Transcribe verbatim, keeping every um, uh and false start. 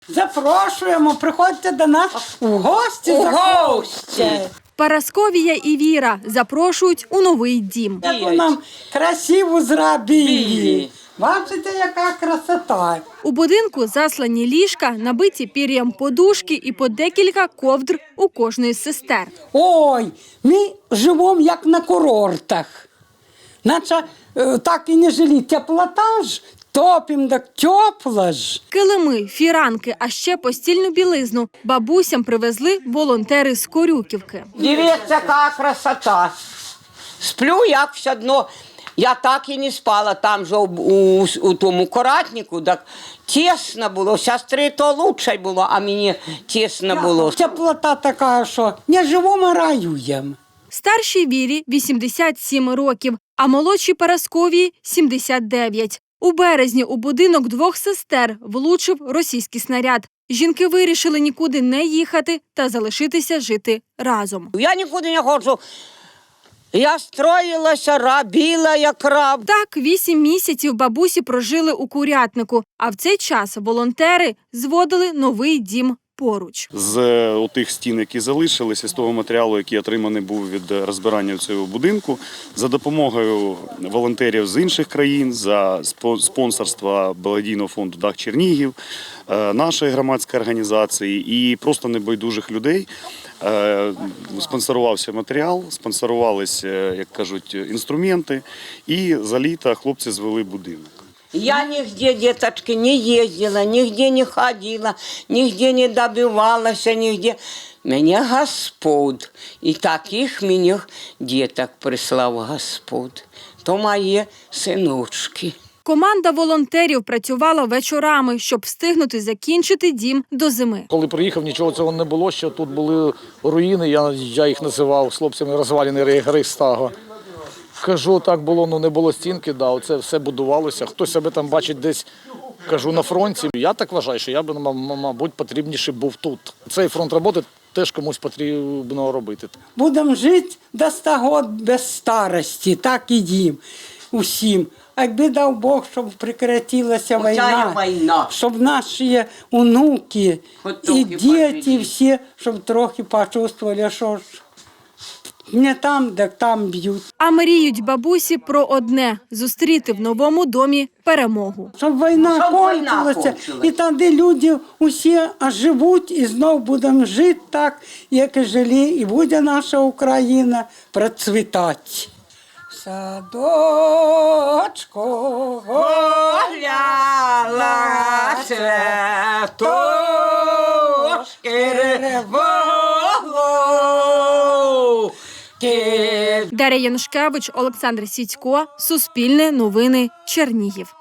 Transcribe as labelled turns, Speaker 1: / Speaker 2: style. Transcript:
Speaker 1: Запрошуємо, приходьте до нас у гості.
Speaker 2: У гості.
Speaker 3: Парасковія і Віра запрошують у новий дім.
Speaker 1: Яку нам красиву зробили. Бачите, яка красота.
Speaker 3: У будинку заслані ліжка, набиті пір'ям подушки і по декілька ковдр у кожної з сестер.
Speaker 1: Ой, ми живемо як на курортах. Наче е, так і не жили. Теплота ж, топим, так тепло ж.
Speaker 3: Килими, фіранки, а ще постільну білизну бабусям привезли волонтери з Корюківки.
Speaker 2: Дивіться, яка красота. Сплю, як все одно. Я так і не спала там же у, у, у тому коратнику, так тісно було. Сестри то лучше було, а мені тісно було.
Speaker 1: Теплота така, що не живемо, а раюємо.
Speaker 3: Старшій Вірі вісімдесят сім років, а молодшій Парасковії – сімдесят дев'ять. У березні у будинок двох сестер влучив російський снаряд. Жінки вирішили нікуди не їхати та залишитися жити разом.
Speaker 2: Я нікуди не ходжу. Я строїлася, робила як раб.
Speaker 3: Так, вісім місяців бабусі прожили у Курятнику, а в цей час волонтери зводили новий дім поруч.
Speaker 4: З тих стін, які залишилися, з того матеріалу, який отриманий був від розбирання цього будинку, за допомогою волонтерів з інших країн, за спонсорства благодійного фонду «Дах Чернігів», нашої громадської організації і просто небайдужих людей, спонсорувався матеріал, спонсорувалися, як кажуть, інструменти, і за літо хлопці звели будинок.
Speaker 2: Я нигде, деточки, не ездила, нигде не ходила, нигде не добивалась, нигде. Меня Господь, и таких мне деток прислав Господь, то мои синочки.
Speaker 3: Команда волонтерів працювала вечорами, щоб встигнути закінчити дім до зими.
Speaker 5: Коли приїхав, нічого цього не було, що тут були руїни, я, я їх називав з хлопцями розвалені гри стага. Кажу, так було, ну не було стінки, да, оце все будувалося. Хтось себе там бачить десь, кажу, на фронті. Я так вважаю, що я б, мабуть, потрібніше був тут. Цей фронт роботи теж комусь потрібно робити.
Speaker 1: Будемо жити до ста років без старості, так і їм усім. А якби дав Бог, щоб прекратилася війна,
Speaker 2: війна,
Speaker 1: щоб наші онуки і діти всі, щоб трохи почувствували, що ж не там, де там б'ють.
Speaker 3: А мріють бабусі про одне – зустріти в новому домі перемогу.
Speaker 1: Щоб війна
Speaker 2: Щоб
Speaker 1: кончилася,
Speaker 2: війна кончилась.
Speaker 1: і тоді люди усі живуть, і знову будемо жити так, як і жили, і буде наша Україна процвітати. Садочко
Speaker 2: гуляла цветочки револу.
Speaker 3: Дар'я Янушкевич, Олександр Сідько, Суспільне новини, Чернігів.